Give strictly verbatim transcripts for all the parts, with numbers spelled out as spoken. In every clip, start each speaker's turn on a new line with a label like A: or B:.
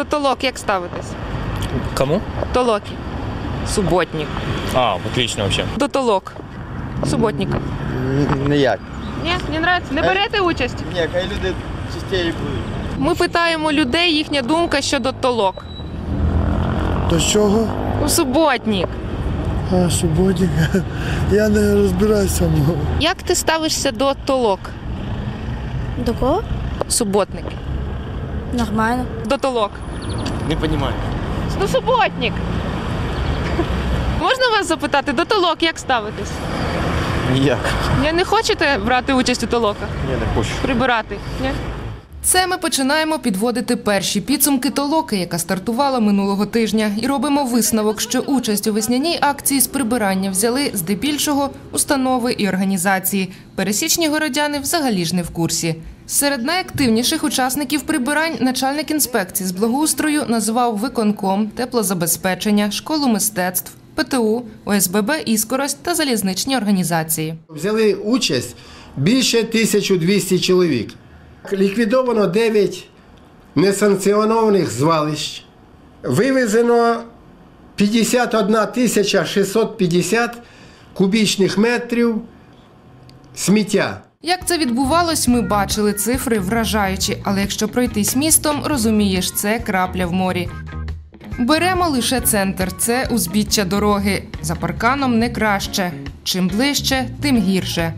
A: До толок як ставитесь?
B: Кому?
A: Толоки. Суботник.
B: А, отлично вообще.
A: До толок. Суботника.
C: Ніяк.
A: Ні, не нравиться? Не берете участь?
C: Ні, хай люди частіше будуть.
A: Ми питаємо людей, їхня думка щодо толок.
D: До чого?
A: У суботник.
D: А, суботник. Я не розбираюся.
A: Як ти ставишся до толок?
E: До кого?
A: Суботники.
E: Нормально.
A: До толок.
B: Не понимаю.
A: Ну, суботник. Можна вас запитати, до толок як ставитесь?
C: Ніяк.
A: Ні, не хочете брати участь у толоках?
C: Ні, не хочу.
A: Прибирати? Ні?
F: Це ми починаємо підводити перші підсумки толоки, яка стартувала минулого тижня. І робимо висновок, що участь у весняній акції з прибирання взяли здебільшого установи і організації. Пересічні городяни взагалі ж не в курсі. Серед найактивніших учасників прибирань начальник інспекції з благоустрою назвав виконком, теплозабезпечення, школу мистецтв, ПТУ, ОСББ «Іскорость» та залізничні організації.
G: Взяли участь більше тисяча двісті чоловік. Ліквідовано дев'ять несанкціонованих звалищ. Вивезено п'ятдесят одна тисяча шістсот п'ятдесят кубічних метрів сміття.
F: Як це відбувалось, ми бачили, цифри вражаючі. Але якщо пройтись містом, розумієш, це крапля в морі. Беремо лише центр – це узбіччя дороги. За парканом не краще. Чим ближче, тим гірше.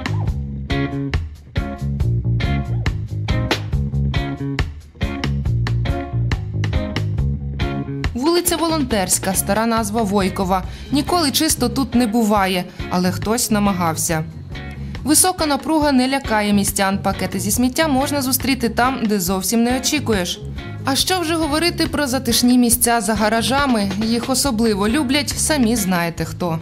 F: Вулиця Волонтерська, стара назва Войкова. Ніколи чисто тут не буває, але хтось намагався. Висока напруга не лякає містян. Пакети зі сміття можна зустріти там, де зовсім не очікуєш. А що вже говорити про затишні місця за гаражами? Їх особливо люблять, самі знаєте хто.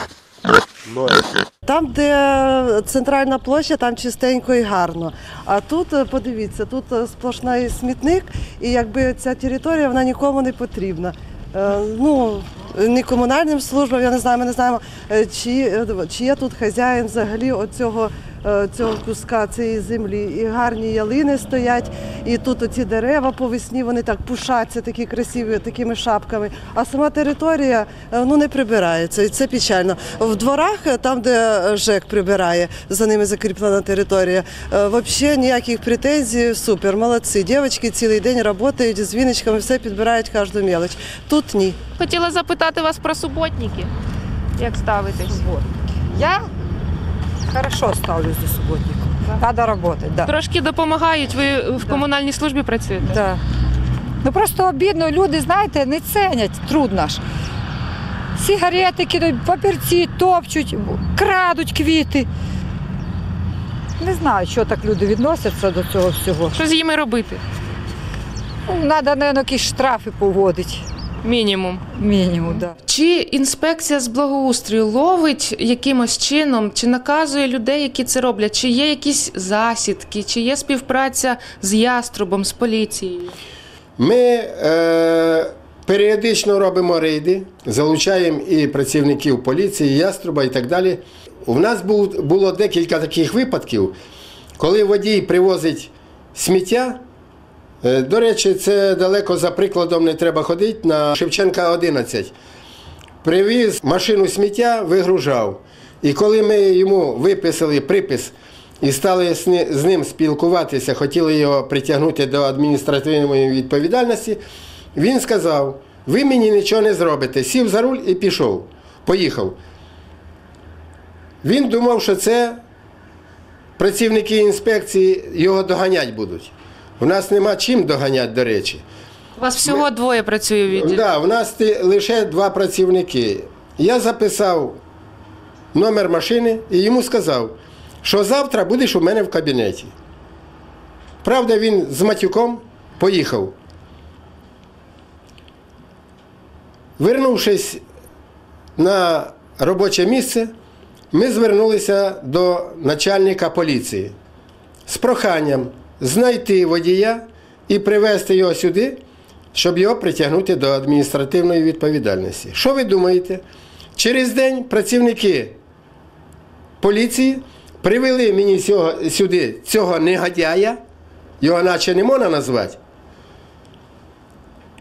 H: Там, де центральна площа, там чистенько і гарно. А тут, подивіться, тут сплошний смітник, і якби ця територія, вона нікому не потрібна. Ну, ні комунальним службам, я не знаю, ми не знаємо, чи, чи є тут хазяїн взагалі оцього, цього куска цієї землі. І гарні ялини стоять, і тут оці дерева по весні, вони так пушаться, такі красиві, такими шапками. А сама територія, ну, не прибирається, і це печально. В дворах, там, де ЖЕК прибирає, за ними закріплена територія, взагалі ніяких претензій, супер, молодці. Дівчатки цілий день працюють з віночками, все підбирають кожну мелоч. Тут ні.
A: Хотіла запитати вас про суботники. Як ставитесь?
I: Я хорошо ставлюсь до субботников. Да. Надо работать, да.
A: Трошки допомагають, ви в комунальній службі працюєте?
I: Да. Ну просто обідно, люди, знаєте, не ценять, трудно ж. Сигарети кидають, папірці топчуть, крадуть квіти. Не знаю, що так люди відносяться до цього всього.
A: Що з ними робити?
I: Ну, треба, мабуть, якісь штрафи поводити.
A: Мінімум.
I: Мінімум, так. Да.
A: Чи інспекція з благоустрою ловить якимось чином, чи наказує людей, які це роблять? Чи є якісь засідки, чи є співпраця з Яструбом, з поліцією?
G: Ми е, періодично робимо рейди, залучаємо і працівників поліції, Яструба і так далі. У нас був, було декілька таких випадків, коли водій привозить сміття. До речі, це далеко за прикладом не треба ходити, на Шевченка одинадцять. Привіз машину сміття, вигружав. І коли ми йому виписали припис і стали з ним спілкуватися, хотіли його притягнути до адміністративної відповідальності, він сказав: ви мені нічого не зробите. Сів за руль і пішов, поїхав. Він думав, що це працівники інспекції його доганять будуть. У нас нема чим доганяти, до речі.
A: У вас всього Ми... двоє працює в відділі?
G: Так, да, у нас лише два працівники. Я записав номер машини і йому сказав, що завтра будеш у мене в кабінеті. Правда, він з матюком поїхав. Вернувшись на робоче місце, ми звернулися до начальника поліції з проханням знайти водія і привезти його сюди, щоб його притягнути до адміністративної відповідальності. Що ви думаєте? Через день працівники поліції привели мені цього, сюди цього негодяя, його наче не можна назвати,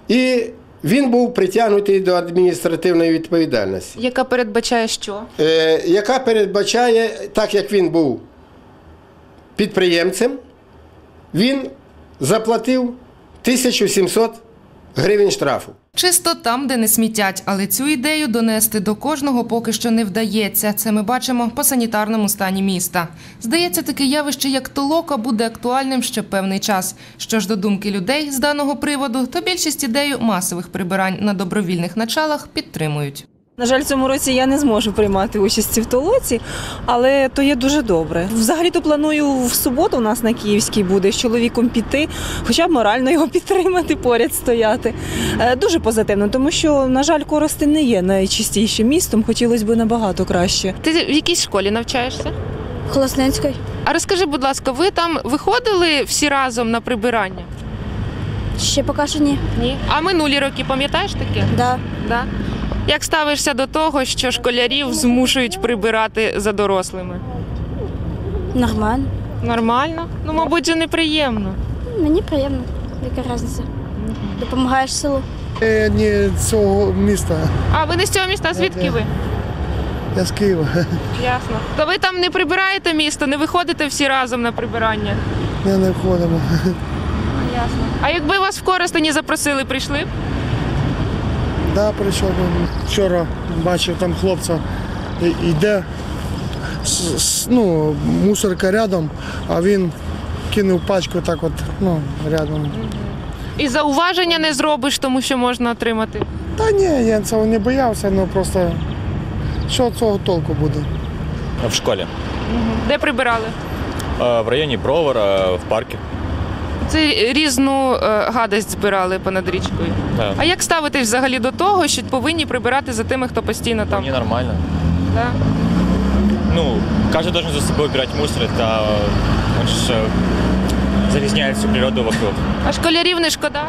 G: І він був притягнутий до адміністративної відповідальності,
A: Яка передбачає що?
G: е, яка передбачає, так як він був підприємцем, він заплатив тисячу сімсот гривень штрафу.
F: Чисто там, де не смітять, але цю ідею донести до кожного поки що не вдається. Це ми бачимо по санітарному стані міста. Здається, таке явище, як толока, буде актуальним ще певний час. Що ж до думки людей з даного приводу, то більшість ідею масових прибирань на добровільних началах підтримують.
J: На жаль, в цьому році я не зможу приймати участь в толоці, але то є дуже добре. Взагалі-то планую в суботу у нас на Київській буде з чоловіком піти, хоча б морально його підтримати, поряд стояти. Е, Дуже позитивно, тому що, на жаль, Коростень не є найчистішим містом, хотілося б набагато краще.
A: Ти в якійсь школі навчаєшся?
E: Холосненської.
A: А розкажи, будь ласка, ви там виходили всі разом на прибирання?
E: Ще поки що ні.
A: Ні. А минулі роки пам'ятаєш таке?
E: Да.
A: Да. Як ставишся до того, що школярів змушують прибирати за дорослими?
E: Нормально.
A: Нормально? Ну, мабуть, же неприємно.
E: Мені приємно. Яка різниця? Допомагаєш селу.
D: Я не з цього міста,
A: А ви не з цього міста? А звідки ви?
D: я з Києва.
A: Ясно. То ви там не прибираєте місто, не виходите всі разом на прибирання?
D: Ми не входимо.
A: Ясно. А якби вас в Коростені запросили, прийшли б?
D: Да, прийшов. Вчора бачив там хлопця, і- йде, с- с- ну, мусорка рядом, а він кинув пачку так от, ну, рядом.
A: І зауваження не зробиш, тому що можна отримати.
D: Та ні, я цього не боявся, ну просто що цього толку буде?
B: В школе.
A: Де прибирали?
B: А, В районе Бровара, в парке.
A: Це різну е, гадость збирали понад річкою.
B: Да.
A: А як ставитесь взагалі до того, що повинні прибирати за тими, хто постійно там?
B: Мне нормально.
A: Да?
B: Ну, каждый должен за собой убирать мусор, это он же э, загрязняет всю природу вокруг.
A: А школярів не шкода?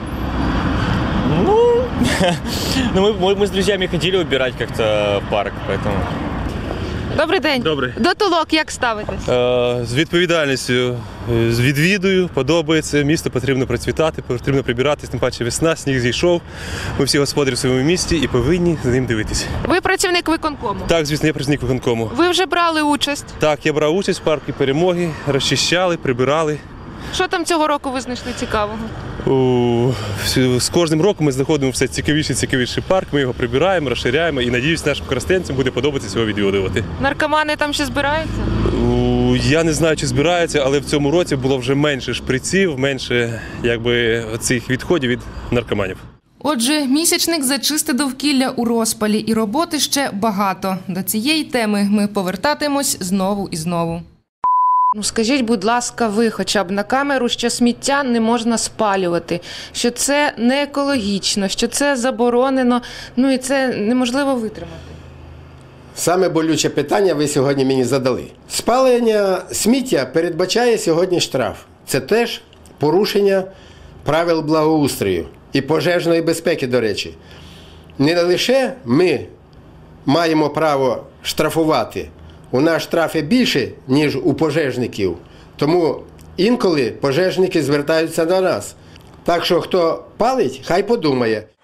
B: Ну, ну мы, мы, мы с друзьями ходили убирать как-то в парк, поэтому...
A: Добрий день.
K: Добрий.
A: До толок як ставитесь?
K: Е, З відповідальністю е, відвідую, подобається, місто потрібно процвітати, потрібно прибиратись, тим паче весна, сніг зійшов. Ми всі господарі в своєму місті і повинні за ним дивитися.
A: Ви працівник виконкому.
K: Так, звісно, я працівник виконкому.
A: Ви вже брали участь.
K: Так, я брав участь в парку перемоги, розчищали, прибирали.
A: Що там цього року ви знайшли цікавого?
K: У, всі- З кожним роком ми знаходимо все цікавіший цікавіший парк, ми його прибираємо, розширяємо і, надіюсь, нашим користенцям буде подобатися його відвідувати.
A: Наркомани там ще збираються?
K: У, Я не знаю, чи збираються, але в цьому році було вже менше шприців, менше якби, цих відходів від наркоманів.
F: Отже, місячник за чисте довкілля у розпалі, і роботи ще багато. До цієї теми ми повертатимось знову і знову. Ну, скажіть, будь ласка, ви хоча б на камеру, що сміття не можна спалювати, що це не екологічно, що це заборонено, ну і це неможливо витримати.
G: Саме болюче питання ви сьогодні мені задали. Спалення сміття передбачає сьогодні штраф. Це теж порушення правил благоустрою і пожежної безпеки, до речі. Не лише ми маємо право штрафувати. У нас штрафи більше, ніж у пожежників. Тому інколи пожежники звертаються до нас. Так що хто палить, хай подумає.